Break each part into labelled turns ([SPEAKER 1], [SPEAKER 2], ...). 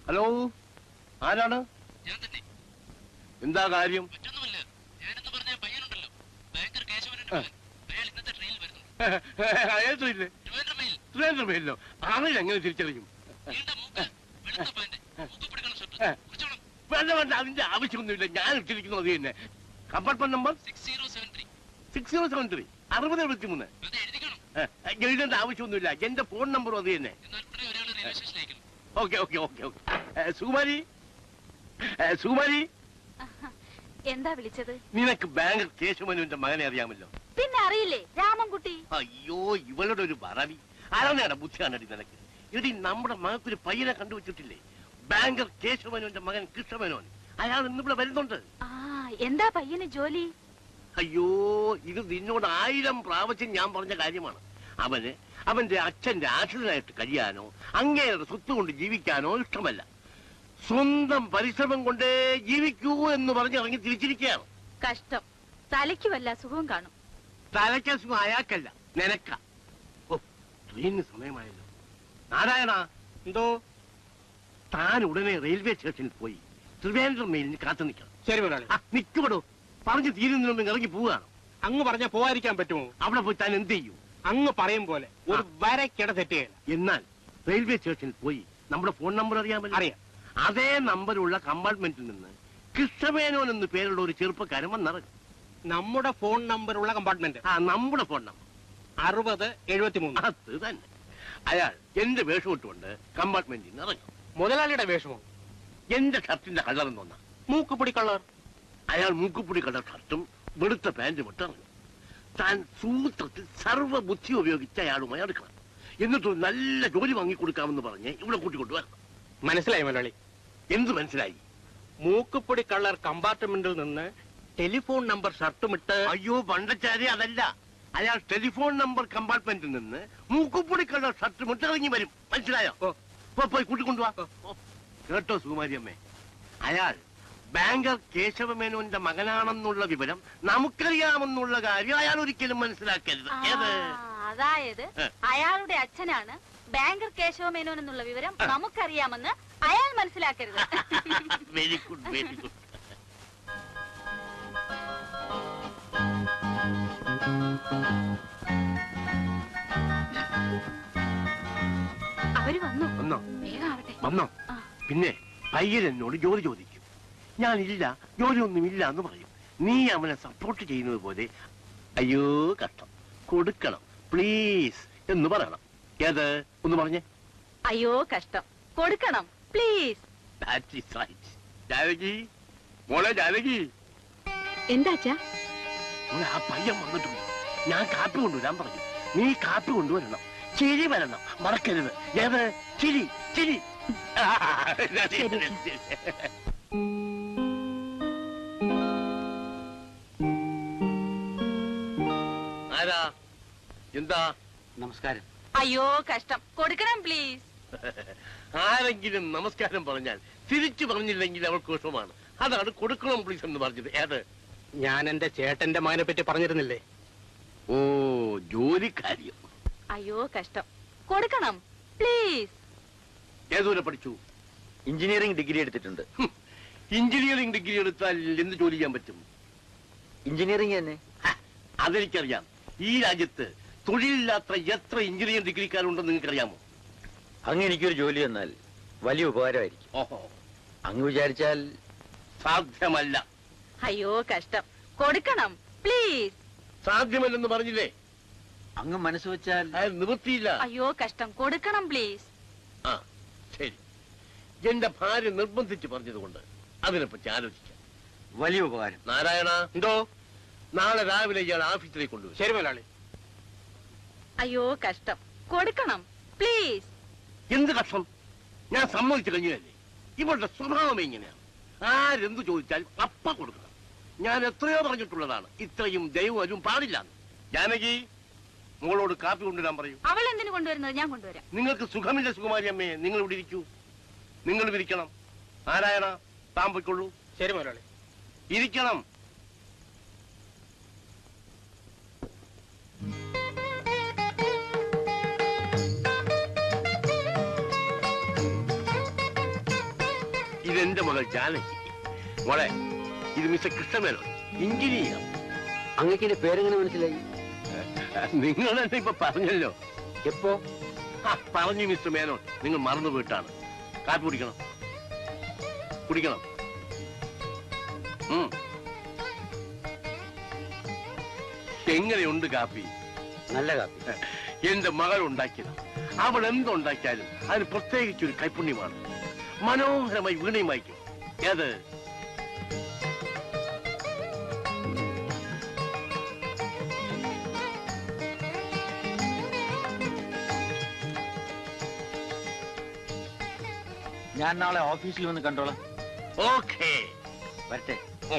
[SPEAKER 1] Hello, ആരാണ്? എന്താ കാര്യം? ട്രെയിനിലോ? ആണെങ്കിൽ എങ്ങനെ തിരിച്ചറിയും? വേണ്ട വേണ്ട, അതിന്റെ ആവശ്യമൊന്നുമില്ല. ഞാൻ ഇട്ടിരിക്കുന്നു അത് തന്നെ. Compartment number 6073 6073. എഴുതേണ്ട ആവശ്യമൊന്നുമില്ല. എന്റെ ഫോൺ നമ്പറും അത് തന്നെ. Okay okay okay okay. Sukumari, Sukumari,
[SPEAKER 2] എന്താ വിളിച്ചത്?
[SPEAKER 1] നിനക്ക് ബാങ്കർ കേശവനുവിന്റെ മകനെ അറിയാമല്ലോ.
[SPEAKER 2] പിന്നെ അറിയില്ലേ, രാമൻകുട്ടി.
[SPEAKER 1] അയ്യോ, ഇവളുടെ ഒരു പറവി. ആരാണ് ബുദ്ധിയാണടി നിനക്ക്? ഇടി, നമ്മുടെ മകക്കൊരു പയ്യനെ കണ്ടുവച്ചിട്ടില്ലേ? ബാങ്കർ കേശവനുവിന്റെ മകൻ കൃഷ്ണമേനോൻ. അയാൾ ഇന്നിവിടെ വരുന്നുണ്ട്.
[SPEAKER 2] എന്താ പയ്യന് ജോലി?
[SPEAKER 1] അയ്യോ, ഇത് നിന്നോട് 1000 പ്രാവശ്യം ഞാൻ പറഞ്ഞ കാര്യമാണ്. അവന്റെ അച്ഛന്റെ ആശ്രിതനായിട്ട് കഴിയാനോ അങ്ങേരുടെ സ്വത്ത് കൊണ്ട് ജീവിക്കാനോ ഇഷ്ടമല്ല. സ്വന്തം പരിശ്രമം കൊണ്ടേ ജീവിക്കൂ എന്ന് പറഞ്ഞ് ഇറങ്ങി തിരിച്ചിരിക്കുകയാണ്.
[SPEAKER 2] കഷ്ടം. തലയ്ക്ക് വല്ല സുഖവും കാണും.
[SPEAKER 1] തലയ്ക്ക് സുഖം അയാൾക്കല്ല, നിനക്ക. ഓ, ട്രെയിനിന് സമയമായല്ലോ. നാരായണ,
[SPEAKER 3] എന്തോ?
[SPEAKER 1] താൻ ഉടനെ റെയിൽവേ സ്റ്റേഷനിൽ പോയി ട്രിവാൻഡ്രം മെയിലിന് കാത്തു നിൽക്കണം.
[SPEAKER 3] ശരി മുതലാളി.
[SPEAKER 1] നിൽക്കുവിടോ, പറഞ്ഞു തീരുന്നതിന് മുമ്പ് ഇറങ്ങി പോവുകയാണ്.
[SPEAKER 3] അങ്ങ് പറഞ്ഞ പോവാതിരിക്കാൻ പറ്റുമോ?
[SPEAKER 1] അവിടെ പോയി താൻ എന്ത് ചെയ്യും?
[SPEAKER 3] അങ്ങ് പറയും പോലെ ഒരു വരക്കിട തെറ്റുകയില്ല.
[SPEAKER 1] എന്നാൽ റെയിൽവേ സ്റ്റേഷനിൽ പോയി നമ്മുടെ ഫോൺ നമ്പർ അറിയാമല്ലോ.
[SPEAKER 3] അറിയാം.
[SPEAKER 1] അതേ നമ്പറുള്ള കമ്പാർട്ട്മെന്റിൽ നിന്ന് കൃഷ്ണമേനോൻ എന്ന് പേരുള്ള ഒരു ചെറുപ്പക്കാരൻ വന്നിറങ്ങും.
[SPEAKER 3] നമ്മുടെ ഫോൺ നമ്പറുള്ള കമ്പാർട്ട്മെന്റ്?
[SPEAKER 1] നമ്മുടെ ഫോൺ നമ്പർ
[SPEAKER 3] 6073.
[SPEAKER 1] അത് തന്നെ. അയാൾ എന്റെ വേഷം ഇട്ടുകൊണ്ട് കമ്പാർട്ട്മെന്റിൽ നിന്ന് ഇറങ്ങും.
[SPEAKER 3] മുതലാളിയുടെ വേഷമോ?
[SPEAKER 1] എന്റെ ഷർട്ടിന്റെ കളർ എന്നൊന്നാ.
[SPEAKER 3] മൂക്കുപൊടി കളർ.
[SPEAKER 1] അയാൾ മൂക്കുപൊടി കളർ ഷർട്ടും വെളുത്ത പാന്റും ഇട്ട് ഇറങ്ങും. താൻ സൂത്രത്തിൽ സർവ്വബുദ്ധി ഉപയോഗിച്ച് അയാളുമായി അടുക്കണം. എന്നിട്ട് നല്ല ജോലി വാങ്ങിക്കൊടുക്കാമെന്ന് പറഞ്ഞ് ഇവിടെ കൂട്ടിക്കൊണ്ടുവരണം.
[SPEAKER 3] മനസ്സിലായി മുതലാളി.
[SPEAKER 1] എന്ത് മനസ്സിലായി?
[SPEAKER 3] മൂക്കുപൊടി കളർ കമ്പാർട്ട്മെന്റിൽ നിന്ന് ടെലിഫോൺ നമ്പർ ഷർട്ടുമിട്ട്.
[SPEAKER 1] അയ്യോ പണ്ടച്ചാരി, അതല്ല. അയാൾ ടെലിഫോൺ നമ്പർ കമ്പാർട്ട്മെന്റിൽ നിന്ന് മൂക്കുപൊടി കളർ ഷർട്ടുമിട്ട് ഇറങ്ങി വരും. മനസ്സിലായോ? പോയി കൂട്ടിക്കൊണ്ടുവാ. കേട്ടോ സുകുമാരിയമ്മേ, അയാൾ ബാങ്കർ കേശവമേനോന്റെ മകനാണെന്നുള്ള വിവരം നമുക്കറിയാമെന്നുള്ള കാര്യം അയാൾ ഒരിക്കലും മനസ്സിലാക്കരുത്.
[SPEAKER 2] അതായത് അയാളുടെ അച്ഛനാണ് ബാങ്കർ കേശവമേനോൻ എന്നുള്ള വിവരം നമുക്കറിയാമെന്ന് അയാൾ മനസ്സിലാക്കരുത്.
[SPEAKER 1] Very good, very good.
[SPEAKER 2] അവര് വന്നു.
[SPEAKER 1] വന്നോ?
[SPEAKER 2] വേഗാവട്ടെ.
[SPEAKER 1] വന്നോ? പിന്നെ പയ്യൻ എന്നോട് ജോലി ചോദിക്കും. ഞാനില്ല, ജോലിയൊന്നും ഇല്ല എന്ന് പറയും. നീ അവനെ സപ്പോർട്ട് ചെയ്യുന്നത് പോലെ അയ്യോ കഷ്ടം, കൊടുക്കണം പ്ലീസ് എന്ന് പറയണം. ഏത് ഒന്ന് പറഞ്ഞേ.
[SPEAKER 2] അയ്യോ കഷ്ടം, കൊടുക്കണം പ്ലീസ്.
[SPEAKER 1] ജാനകി, മോളെ ജാനകി.
[SPEAKER 2] എന്താച്ചാ?
[SPEAKER 1] ആ പയ്യൻ വന്നിട്ടുണ്ട്. ഞാൻ കാപ്പി കൊണ്ടുവരാൻ പറഞ്ഞു. നീ കാപ്പി കൊണ്ടുവരണം. ചിരി വരണം, മറക്കരുത്. ഏത്? ചിരി, ചിരി. ആരാ? എന്താ?
[SPEAKER 3] നമസ്കാരം.
[SPEAKER 2] അയ്യോ കഷ്ടം, കൊടുക്കണം പ്ലീസ്.
[SPEAKER 1] ആരെങ്കിലും നമസ്കാരം പറഞ്ഞാൽ തിരിച്ചു പറഞ്ഞില്ലെങ്കിൽ അവൾക്ക് വിഷമമാണ്. അതാണ് കൊടുക്കണം പ്ലീസ് എന്ന് പറഞ്ഞത്. ഏത്?
[SPEAKER 3] ഞാൻ എന്റെ ചേട്ടന്റെ മകനെ പറ്റി പറഞ്ഞിരുന്നില്ലേ?
[SPEAKER 1] ഓ, ജോലിക്കാര്യം.
[SPEAKER 2] അയ്യോ കഷ്ടം, കൊടുക്കണം പ്ലീസ്.
[SPEAKER 1] ഏതുവരെ പഠിച്ചു?
[SPEAKER 4] എഞ്ചിനീയറിംഗ് ഡിഗ്രി എടുത്തിട്ടുണ്ട്.
[SPEAKER 1] എഞ്ചിനീയറിംഗ് ഡിഗ്രി എടുത്താൽ എന്ത് ജോലി ചെയ്യാൻ പറ്റും?
[SPEAKER 4] എഞ്ചിനീയറിംഗ് തന്നെ.
[SPEAKER 1] അതെനിക്കറിയാം. ഈ രാജ്യത്ത് തൊഴിലില്ലാത്ത എത്ര എഞ്ചിനീയറിംഗ് ഡിഗ്രിക്കാരുണ്ടെന്ന് നിങ്ങൾക്കറിയാമോ?
[SPEAKER 4] അങ്ങ് എനിക്കൊരു ജോലി തന്നാൽ വലിയ ഉപകാരമായിരിക്കും.
[SPEAKER 1] ഓഹോ,
[SPEAKER 4] അങ്ങ് വിചാരിച്ചാൽ
[SPEAKER 1] സാധ്യമല്ല.
[SPEAKER 2] അയ്യോ കഷ്ടം, കൊടുക്കണം പ്ലീസ്.
[SPEAKER 1] സാധ്യമല്ലെന്ന് പറഞ്ഞില്ലേ?
[SPEAKER 4] അങ്ങ് മനസ്സ് വെച്ചാൽ
[SPEAKER 1] നിവൃത്തിയില്ല.
[SPEAKER 2] അയ്യോ കഷ്ടം, കൊടുക്കണം പ്ലീസ്.
[SPEAKER 1] ആ ശരി, എന്റെ ഭാര്യ നിർബന്ധിച്ച് പറഞ്ഞതുകൊണ്ട് അതിനെപ്പറ്റി ആലോചിക്കാം.
[SPEAKER 4] വലിയ ഉപകാരം.
[SPEAKER 1] നാരായണ, എന്തോ? നാളെ രാവിലെ ഇയാൾ ഓഫീസിലേക്ക് കൊണ്ടുവരും.
[SPEAKER 3] ശരി മുതലാളി.
[SPEAKER 2] അയ്യോ കഷ്ടം, കൊടുക്കണം പ്ലീസ്.
[SPEAKER 1] എന്ത് കഷ്ടം? ഞാൻ സമ്മതിച്ചു കഴിഞ്ഞല്ലേ? ഇവളുടെ സ്വഭാവം ഇങ്ങനെയാണ്. ആരെന്ത് ചോദിച്ചാൽ അപ്പ കൊടുക്കണം. ഞാൻ എത്രയോ പറഞ്ഞിട്ടുള്ളതാണ്, ഇത്രയും ദൈവം പാടില്ല. ജാനകി, മോളോട് കാപ്പി കൊണ്ടുവരാൻ പറയൂ.
[SPEAKER 2] അവൾ എന്തിനു കൊണ്ടുവരുന്നത്? ഞാൻ കൊണ്ടുവരാം.
[SPEAKER 1] നിങ്ങൾക്ക് സുഖമില്ല സുകുമാരി അമ്മയെ, നിങ്ങൾ ഇവിടെ ഇരിക്കൂ. നിങ്ങൾ ഇരിക്കണം. നാരായണ, താൻ പോയിക്കൊള്ളൂ.
[SPEAKER 3] ശരി മുതലാളി.
[SPEAKER 1] ഇരിക്കണം. ഇതെന്റെ മകൾ ജാനകി. മോളെ, ഇത് മിസ്റ്റർ കൃഷ്ണമേനോൻ, എഞ്ചിനീയർ.
[SPEAKER 4] അങ്ങക്ക് എന്റെ പേരെങ്ങനെ മനസ്സിലായി?
[SPEAKER 1] നിങ്ങൾ തന്നെ ഇപ്പൊ പറഞ്ഞല്ലോ.
[SPEAKER 4] എപ്പോ?
[SPEAKER 1] പറഞ്ഞു മിസ്റ്റർ മേനോൻ, നിങ്ങൾ മറന്നു പോയിട്ടാണ്. കാപ്പി കുടിക്കണം, കുടിക്കണം. എങ്ങനെയുണ്ട് കാപ്പി?
[SPEAKER 4] നല്ല കാപ്പി.
[SPEAKER 1] എന്റെ മകൾ ഉണ്ടാക്കിയത്. അവൾ എന്തുണ്ടാക്കിയാലും അതിന് പ്രത്യേകിച്ചൊരു കൈപുണ്യമാണ്. മനോഹരമായി വീണയും വായിക്കും. ഏത്?
[SPEAKER 4] ഞാൻ നാളെ ഓഫീസിൽ വന്ന് കണ്ടോളാം.
[SPEAKER 1] ഓക്കേ,
[SPEAKER 4] വരട്ടെ.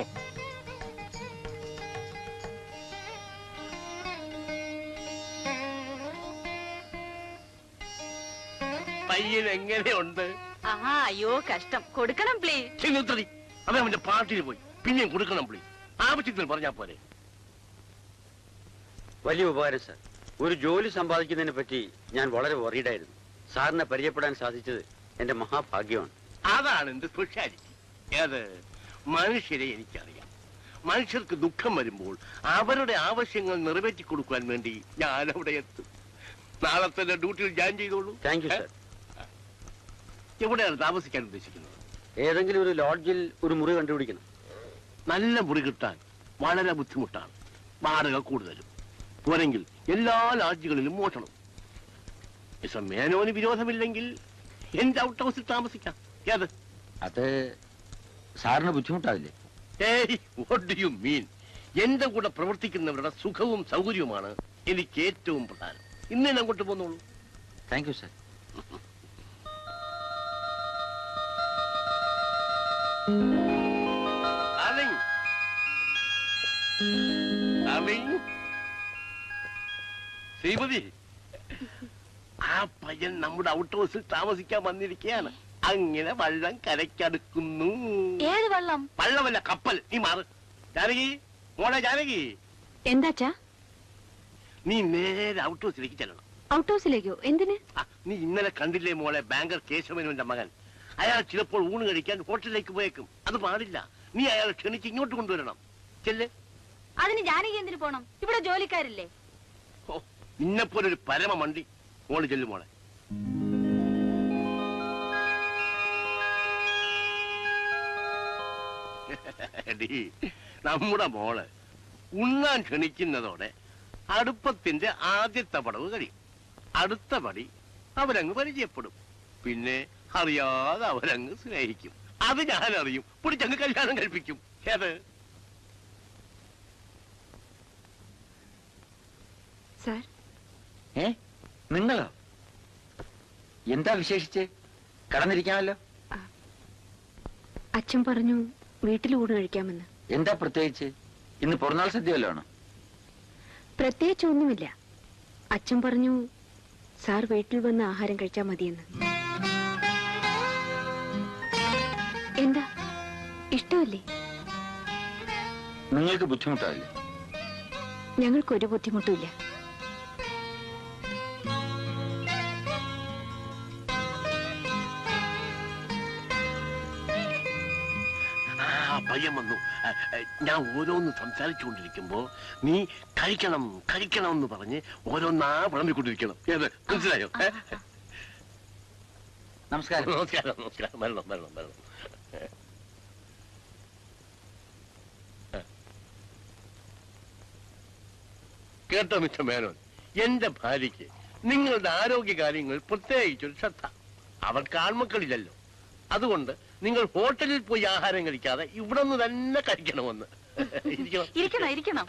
[SPEAKER 1] പയ്യൻ എങ്ങനെയുണ്ട്?
[SPEAKER 2] ആഹാ, അയ്യോ കഷ്ടം. കൊടുക്കണം പ്ലീസ്.
[SPEAKER 1] ചെന്നുത്തടി. അവൻ അവന്റെ പാർട്ടിയിൽ പോയി. പിന്നെയും കൊടുക്കണം പ്ലീസ്. ആവശ്യത്തിന് പറഞ്ഞാ പോരെ.
[SPEAKER 4] വലിയ ഉപകാരം സാർ. ഒരു ജോലി സമ്പാദിക്കുന്നതിനെ പറ്റി ഞാൻ വളരെ വറീഡായിരുന്നു. സാറിനെ പരിചയപ്പെടാൻ സാധിച്ചത് എന്റെ മഹാഭാഗ്യമാണ്.
[SPEAKER 1] അതാണ് എന്റെ സ്പെഷ്യാലിറ്റി. ഏത്? മനുഷ്യരെ എനിക്കറിയാം. മനുഷ്യർക്ക് ദുഃഖം വരുമ്പോൾ അവരുടെ ആവശ്യങ്ങൾ നിറവേറ്റി കൊടുക്കാൻ വേണ്ടി ഞാൻ അവിടെ എത്തും. നാളെ തന്നെ ഡ്യൂട്ടിയിൽ ജോയിൻ ചെയ്തോളൂ.
[SPEAKER 4] Thank you sir.
[SPEAKER 1] എവിടെയാണ് താമസിക്കാൻ ഉദ്ദേശിക്കുന്നത്?
[SPEAKER 4] ഏതെങ്കിലും ഒരു ലോഡ്ജിൽ ഒരു മുറി കണ്ടുപിടിക്കണം.
[SPEAKER 1] നല്ല മുറി കിട്ടാൻ വളരെ ബുദ്ധിമുട്ടാണ്. വാടക കൂടുതലും. പോരെങ്കിൽ എല്ലാ ലോഡ്ജുകളിലും മോഷണം. മിസ്റ്റർ മേനോന് വിരോധമില്ലെങ്കിൽ എന്റെ ഔട്ട് ഹൗസിൽ താമസിക്കാം. ഏത്?
[SPEAKER 4] അത് സാറിന് ബുദ്ധിമുട്ടാവില്ലേ?
[SPEAKER 1] ഏയ്, വാട്ട് ഡു യു മീൻ? എന്റെ കൂടെ പ്രവർത്തിക്കുന്നവരുടെ സുഖവും സൗകര്യവുമാണ് എനിക്ക് ഏറ്റവും പ്രധാനം. ഇന്ന് ഞാൻ അങ്ങോട്ട് പോന്നോളൂ.
[SPEAKER 4] Thank you sir.
[SPEAKER 1] ശ്രീമതി, ആ പയ്യൻ നമ്മുടെ ഔട്ട് ഹൗസിൽ താമസിക്കാൻ വന്നിരിക്കുകയാണ്. അങ്ങനെ വള്ളം കരയ്ക്കടുക്കുന്നു.
[SPEAKER 2] ഏത് വെള്ളം?
[SPEAKER 1] വള്ളമല്ല, കപ്പൽ. നീ മാറ്. ജാനകി, മോളെ ജാനകി.
[SPEAKER 2] എന്താച്ചാ?
[SPEAKER 1] നീ നേരെ ഔട്ട് ഹൗസിലേക്ക് ചെല്ലണം.
[SPEAKER 2] ഔട്ട് ഹൗസിലേക്കോ? എന്തിന്?
[SPEAKER 1] നീ ഇന്നലെ കണ്ടില്ലേ മോളെ ബാങ്കർ കേശവനുവിന്റെ മകൻ? അയാൾ ചിലപ്പോൾ ഊണ് കഴിക്കാൻ ഹോട്ടലിലേക്ക് പോയേക്കും. അത് പാടില്ല. നീ അയാളെ ക്ഷണിച്ച് ഇങ്ങോട്ട് കൊണ്ടുവരണം. ചെല്ല്.
[SPEAKER 2] അതിന് ജാനകി എന്തിനു പോണം? ഇവിടെ ജോലിക്കാരില്ലേ?
[SPEAKER 1] ഓ, നിന്നെപ്പോലൊരു പരമ മണ്ടി. മോള് ചെല്ലു മോളെ. നമ്മുടെ മോള് ഉണ്ണാൻ ക്ഷണിക്കുന്നതോടെ അടുപ്പത്തിന്റെ ആദ്യത്തെ പടവ് കഴിയും. അടുത്ത പടി അവരങ്ങ് പരിചയപ്പെടും. പിന്നെ അറിയാതെ അവരങ്ങ് സ്നേഹിക്കും. അത് ഞാനറിയും. പിടിച്ചങ്ങ് കല്യാണം കഴിപ്പിക്കും. ഏത്?
[SPEAKER 2] സാർ.
[SPEAKER 4] നിങ്ങളോ? എന്താ വിശേഷിച്ച്? കടന്നിരിക്കാമല്ലോ.
[SPEAKER 2] അച്ഛൻ പറഞ്ഞു വീട്ടിൽ ഊണ് കഴിക്കാമെന്ന്.
[SPEAKER 4] എന്താ പ്രത്യേകിച്ച്? ഇന്ന് പിറന്നാൾ സദ്യ വല്ലതാണോ?
[SPEAKER 2] പ്രത്യേകിച്ച് ഒന്നുമില്ല. അച്ഛൻ പറഞ്ഞു സാർ വീട്ടിൽ വന്ന് ആഹാരം കഴിച്ചാൽ മതിയെന്ന്. എന്താ, ഇഷ്ടമല്ലേ?
[SPEAKER 4] നിങ്ങൾക്ക് ബുദ്ധിമുട്ടാവില്ലേ?
[SPEAKER 2] ഞങ്ങൾക്കൊരു ബുദ്ധിമുട്ടുമില്ല.
[SPEAKER 1] പയ്യൻ വന്നു. ഞാൻ ഓരോന്ന് സംസാരിച്ചുകൊണ്ടിരിക്കുമ്പോ നീ കഴിക്കണം കഴിക്കണം എന്ന് പറഞ്ഞ് ഓരോന്നാ വിളമ്പിക്കൊണ്ടിരിക്കണം. ഏത്? മനസ്സിലായോ?
[SPEAKER 4] നമസ്കാരം.
[SPEAKER 1] നമസ്കാരം. നമസ്കാരം. വരണം വരണം വരണം. കേട്ടോ മിസ്റ്റർ മേനോൻ, എന്റെ ഭാര്യയ്ക്ക് നിങ്ങളുടെ ആരോഗ്യ കാര്യങ്ങൾ പ്രത്യേകിച്ചൊരു ശ്രദ്ധ. അവർക്ക് ആൺമക്കളില്ലല്ലോ. അതുകൊണ്ട് നിങ്ങൾ ഹോട്ടലിൽ പോയി ആഹാരം കഴിക്കാതെ ഇവിടെ നിന്ന് തന്നെ കഴിക്കണമെന്ന്.
[SPEAKER 2] ഇരിക്കണം ഇരിക്കണം.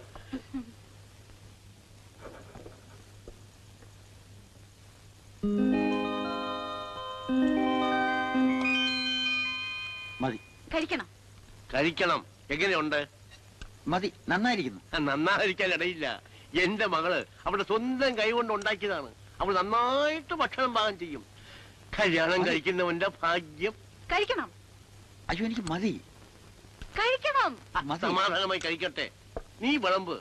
[SPEAKER 4] മതി.
[SPEAKER 2] കഴിക്കണം
[SPEAKER 1] കഴിക്കണം. എങ്ങനെയുണ്ട്?
[SPEAKER 4] മതി, നന്നായിരിക്കുന്നു.
[SPEAKER 1] നന്നായിരിക്കാൻ ഇടയില്ല. എന്റെ മകള് അവളുടെ സ്വന്തം കൈകൊണ്ട് ഉണ്ടാക്കിയതാണ്. അവൾ നന്നായിട്ട് ഭക്ഷണം പാകം ചെയ്യും. കല്യാണം കഴിക്കുന്നവന്റെ ഭാഗ്യം.
[SPEAKER 2] കഴിക്കണം.
[SPEAKER 4] അയ്യോ, എനിക്ക് മതി.
[SPEAKER 2] കഴിക്കണം.
[SPEAKER 1] സമാധാനമായി കഴിക്കട്ടെ. നീ വിളമ്പ്.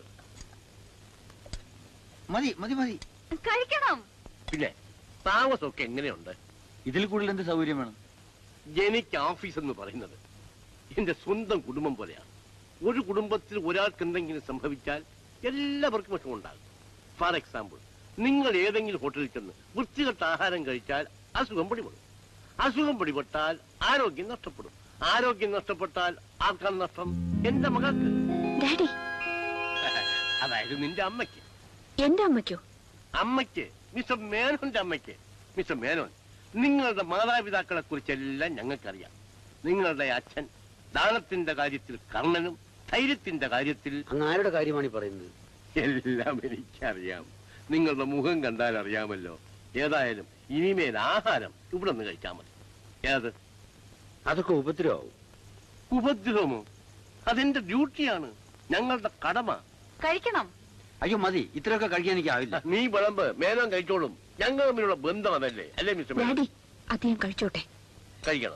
[SPEAKER 4] മതി മതി മതി.
[SPEAKER 2] കഴിക്കണം.
[SPEAKER 1] പിന്നെ താമസമൊക്കെ എങ്ങനെയുണ്ട്?
[SPEAKER 4] ഇതിൽ കൂടുതൽ എന്ത് സൗകര്യം വേണം?
[SPEAKER 1] എനിക്ക് ഓഫീസ് എന്ന് പറയുന്നത് എന്റെ സ്വന്തം കുടുംബം പോലെയാണ്. ഒരു കുടുംബത്തിൽ ഒരാൾക്ക് എന്തെങ്കിലും സംഭവിച്ചാൽ എല്ലാവർക്കും വിഷമമുണ്ടാകും. ഫോർ എക്സാമ്പിൾ, നിങ്ങൾ ഏതെങ്കിലും ഹോട്ടലിൽ ചെന്ന് വൃത്തികെട്ട ആഹാരം കഴിച്ചാൽ അസുഖം പിടിപെടും. അസുഖം പിടിപെട്ടാൽ ആരോഗ്യം നഷ്ടപ്പെടും. ആരോഗ്യം നഷ്ടപ്പെട്ടാൽ ആർക്കാണ് നഷ്ടം? എന്റെ മകൾക്ക്.
[SPEAKER 2] ഡാഡി,
[SPEAKER 1] അതായത് നിന്റെ അമ്മയ്ക്ക്.
[SPEAKER 2] എന്റെ അമ്മയ്ക്കോ?
[SPEAKER 1] അമ്മയ്ക്ക്, മിസ്റ്റർ മേനോന്റെ അമ്മയ്ക്ക്. മിസ്റ്റർ മേനോൻ, നിങ്ങളുടെ മാതാപിതാക്കളെ കുറിച്ചെല്ലാം ഞങ്ങൾക്കറിയാം. നിങ്ങളുടെ അച്ഛൻ ദാനത്തിന്റെ കാര്യത്തിൽ കർണനും ധൈര്യത്തിന്റെ കാര്യത്തിൽ...
[SPEAKER 4] അങ്ങ് ആരുടെ കാര്യമാണ് ഈ പറയുന്നത്?
[SPEAKER 1] എല്ലാം എനിക്കറിയാം. നിങ്ങളുടെ മുഖം കണ്ടാൽ അറിയാമല്ലോ. ഏതായാലും ഇനിമേൽ ആഹാരം ഇവിടെ നിന്ന് കഴിച്ചാൽ മതി. ഏത്?
[SPEAKER 4] അതൊക്കെ ഉപദ്രവമാവും.
[SPEAKER 1] ഉപദ്രവമോ? അതെന്റെ ഡ്യൂട്ടിയാണ്, ഞങ്ങളുടെ കടമ.
[SPEAKER 2] കഴിക്കണം.
[SPEAKER 4] അയ്യോ മതി, ഇത്രയൊക്കെ കഴിക്കാൻ എനിക്കാവില്ല.
[SPEAKER 1] നീ വിളമ്പ്, മേനോൻ കഴിച്ചോളും. ഞങ്ങൾ തമ്മിലുള്ള ബന്ധം അതല്ലേ, അല്ലേ മിസ്റ്റർ മേനോൻ?
[SPEAKER 2] ഡാഡി, അദ്ദേഹം കഴിച്ചോട്ടെ.
[SPEAKER 1] കഴിക്കണം.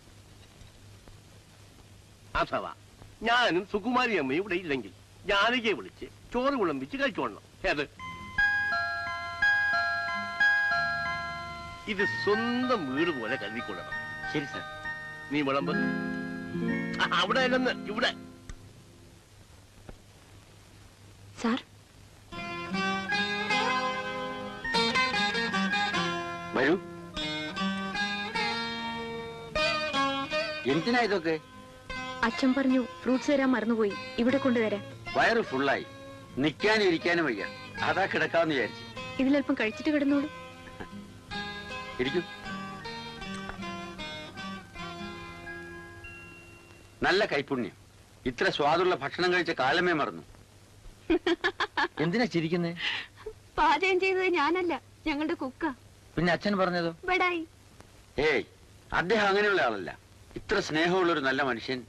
[SPEAKER 1] അഥവാ ഞാനും സുകുമാരി അമ്മയും ഇവിടെ ഇല്ലെങ്കിൽ ജാനകിയെ വിളിച്ച് ചോറ് വിളമ്പിച്ച് കഴിച്ചോളണം. ഏത്? ഇത് സ്വന്തം വീട് പോലെ കരുതിക്കൊള്ളണം.
[SPEAKER 4] ശരി സാർ.
[SPEAKER 1] നീ വിളമ്പ്. അവിടെ അല്ലെന്ന്, ഇവിടെ.
[SPEAKER 2] സാർ,
[SPEAKER 4] വരൂ. എന്തിനാ ഇതൊക്കെ?
[SPEAKER 2] അച്ഛൻ പറഞ്ഞു ഫ്രൂട്ട്സ് തരാൻ മറന്നുപോയി, ഇവിടെ കൊണ്ടുതരാൻ.
[SPEAKER 4] വയറ് ഫുള്ളായി, നിൽക്കാനും ഇരിക്കാനും വയ്യ. അതാ കിടക്കാന്ന് വിചാരിച്ചു.
[SPEAKER 2] ഇതിലല്പം കഴിച്ചിട്ട് കിടന്നോളൂ.
[SPEAKER 4] ഇരിക്കും. നല്ല കൈപുണ്യം. ഇത്ര സ്വാദുള്ള ഭക്ഷണം കഴിച്ച കാലമേ മറന്നു.
[SPEAKER 5] എന്തിനാ ചിരിക്കുന്നേ?
[SPEAKER 2] പാചകം ചെയ്തത് ഞാനല്ല, ഞങ്ങളുടെ കുക്ക.
[SPEAKER 5] പിന്നെ അച്ഛൻ പറഞ്ഞതോ?
[SPEAKER 2] ബടായി.
[SPEAKER 4] ഏയ്, അദ്ദേഹം അങ്ങനെയുള്ള ആളല്ല. ഇത്ര സ്നേഹമുള്ള ഒരു നല്ല മനുഷ്യൻ.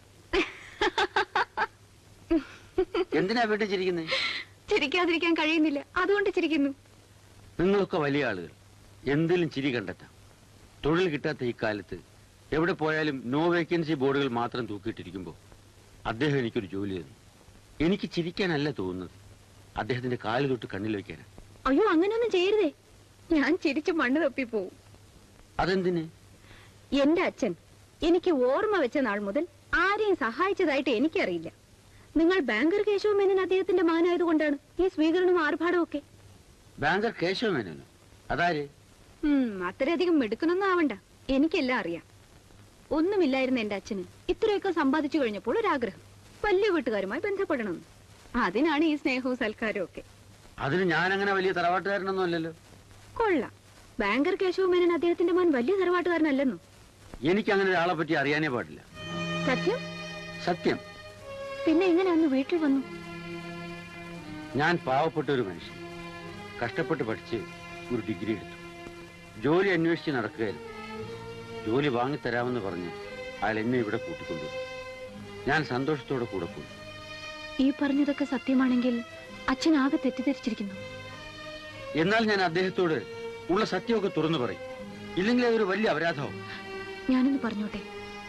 [SPEAKER 4] എന്തിനാ വീട്ടിൽ ചിരിക്കുന്നേ?
[SPEAKER 2] ചിരിക്കാതിരിക്കാൻ കഴിയുന്നില്ല, അതുകൊണ്ട് ചിരിക്കുന്നു.
[SPEAKER 4] നിങ്ങളൊക്കെ വലിയ ആളുകൾ, എന്തിലും ചിരി കണ്ടെത്താം. തൊഴിൽ കിട്ടാത്ത ഈ കാലത്ത് എവിടെ പോയാലും നോ വേക്കൻസി ബോർഡുകൾ മാത്രം തൂക്കിയിട്ടിരിക്കുമ്പോൾ അദ്ദേഹം എനിക്കൊരു ജോലി തന്നു. എനിക്ക് ചിരിക്കാനല്ല തോന്നുന്നത്, അദ്ദേഹത്തിന്റെ കാല് തൊട്ട് കണ്ണിൽ വെക്കാനാ.
[SPEAKER 2] അയ്യോ, അങ്ങനെയൊന്നും ചെയ്യരുതേ. ഞാൻ ചിരിച്ചു മണ്ണ് തപ്പിപ്പോവും.
[SPEAKER 4] അതെന്തിന്?
[SPEAKER 2] എന്റെ അച്ഛൻ എനിക്ക് ഓർമ്മ വെച്ച നാൾ മുതൽ ആരെയും സഹായിച്ചതായിട്ട് എനിക്കറിയില്ല. നിങ്ങൾ ബാങ്കർ കേശവ മേനൻ അദ്ദേഹത്തിന്റെ മകനായതുകൊണ്ടാണ് ഈ സ്വീകരണവും ആർഭാടവും ഒക്കെ.
[SPEAKER 4] ബാങ്കർ കേശവ മേനോനോ? അതാര്?
[SPEAKER 2] അത്രയധികം മെടുക്കണമെന്നും ആവണ്ട, എനിക്കെല്ലാം അറിയാം. ഒന്നുമില്ലായിരുന്ന എന്റെ അച്ഛന് ഇത്രയൊക്കെ സമ്പാദിച്ചു കഴിഞ്ഞപ്പോൾ ഒരാഗ്രഹം, വലിയ വീട്ടുകാരുമായി ബന്ധപ്പെടണമെന്ന്. അതിനാണ് ഈ സ്നേഹവും സൽക്കാരവും ഒക്കെ.
[SPEAKER 4] അതിന് ഞാൻ അങ്ങനെ വലിയ തറവാട്ടുകാരനൊന്നും അല്ലല്ലോ.
[SPEAKER 2] കൊള്ളാം. ബാങ്കർ കേശവ മേനൻ അദ്ദേഹത്തിന്റെ മോൻ വലിയ തറവാട്ടുകാരനല്ലെന്നോ?
[SPEAKER 4] എനിക്ക് അങ്ങനെ ഒരാളെ പറ്റി അറിയാനേ പാടില്ല.
[SPEAKER 2] സത്യം?
[SPEAKER 4] സത്യം.
[SPEAKER 2] പിന്നെ എങ്ങനെ അന്ന് വീട്ടിൽ വന്നു?
[SPEAKER 4] ഞാൻ പാവപ്പെട്ട ഒരു മനുഷ്യൻ, കഷ്ടപ്പെട്ട് പഠിച്ച് ഒരു ഡിഗ്രി എടുത്തു. ജോലി അന്വേഷിച്ച് നടക്കുകയായിരുന്നു. ജോലി വാങ്ങിത്തരാമെന്ന് പറഞ്ഞ് അയാൾ എന്നെ ഇവിടെ കൂട്ടിക്കൊണ്ടുവന്നു. ഞാൻ സന്തോഷത്തോടെ കൂടെ പോയി.
[SPEAKER 2] ഈ പറഞ്ഞതൊക്കെ സത്യമാണെങ്കിൽ അച്ഛൻ ആകെ തെറ്റിദ്ധരിച്ചിരിക്കുന്നു.
[SPEAKER 4] എന്നാൽ ഞാൻ അദ്ദേഹത്തോട് ഉള്ള സത്യമൊക്കെ തുറന്നു പറയും, ഇല്ലെങ്കിൽ അതൊരു വലിയ അപരാധവും.
[SPEAKER 2] ഞാനൊന്ന് പറഞ്ഞോട്ടെ?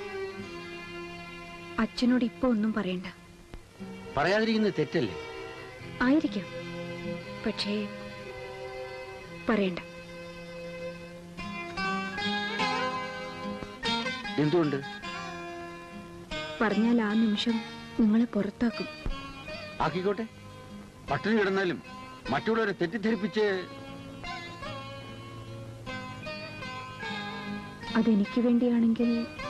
[SPEAKER 2] അച്ഛനോട് ഇപ്പൊ ഒന്നും പറയണ്ട.
[SPEAKER 4] പറയാതിരിക്കുന്നത് തെറ്റല്ലേ?
[SPEAKER 2] ആയിരിക്കാം, പക്ഷേ പറയണ്ട.
[SPEAKER 4] എന്തുകൊണ്ട്?
[SPEAKER 2] പറഞ്ഞാൽ ആ നിമിഷം നിങ്ങളെ പുറത്താക്കും.
[SPEAKER 4] ആക്കിക്കോട്ടെ, പട്ടിണി കിടന്നാലും മറ്റുള്ളവരെ തെറ്റിദ്ധരിപ്പിച്ച്.
[SPEAKER 2] അതെനിക്ക് വേണ്ടിയാണെങ്കിൽ